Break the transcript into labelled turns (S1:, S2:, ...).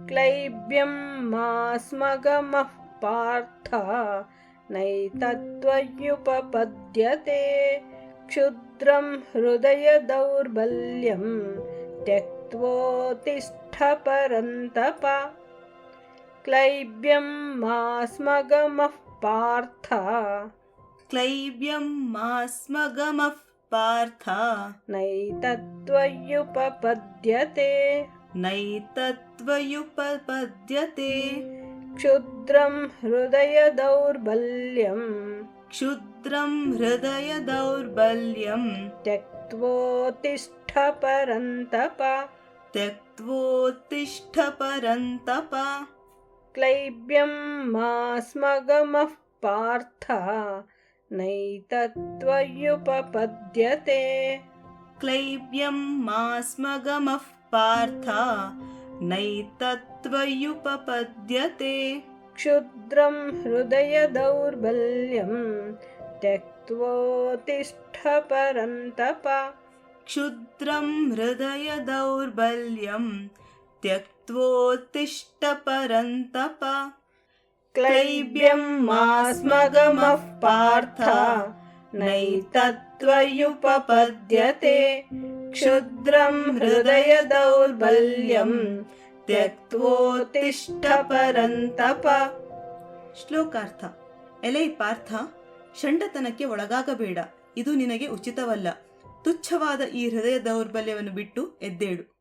S1: क्लैब्यं मास्मगमः पार्थ नैतत्त्वयुपपद्यते क्षुद्रं हृदयदौर्बल्यं त्यक्त्वोत्तिष्ठ परन्तप क्लैब्यं मास्मगमः पार्थ
S2: क्लैब्यं मास्मगमः पार्थ
S1: नैतत्त्वयुपपद्यते
S2: नैतत्त्वयुपपद्यते
S1: क्षुद्रं हृदयदौर्बल्यं
S2: क्षुद्रं हृदयदौर्बल्यं
S1: त्यक्त्वोत्तिष्ठ परन्तप
S2: त्यक्त्वोत्तिष्ठ परन्तप
S1: क्लैब्यं मास्मगमः पार्थ नैतत्त्वयुपपद्यते
S2: क्लैब्यं मास्मगमः पार्थ नैतत्त्वयुपपद्यते
S1: क्षुद्रं हृदयदौर्बल्यं त्यक्त्वोत्तिष्ठ परन्तप
S2: क्षुद्रं हृदयदौर्बल्यं त्यक्त्वोत्तिष्ठ परन्तप
S1: क्लैब्यं मास्मगमः पार्थ नैतत्त्वयुपपद्यते क्षुद्रं हृदयदौर्बल्यं त्यक्त्वोत्तिष्ठ परन्तप.
S2: ಶ್ಲೋಕಾರ್ಥ. ಎಲೈ ಪಾರ್ಥ, ಷಂಡತನಕ್ಕೆ ಒಳಗಾಗಬೇಡ, ಇದು ನಿನಗೆ ಉಚಿತವಲ್ಲ. ತುಚ್ಛವಾದ ಈ ಹೃದಯ ದೌರ್ಬಲ್ಯವನ್ನು ಬಿಟ್ಟು ಎದ್ದೇಳು.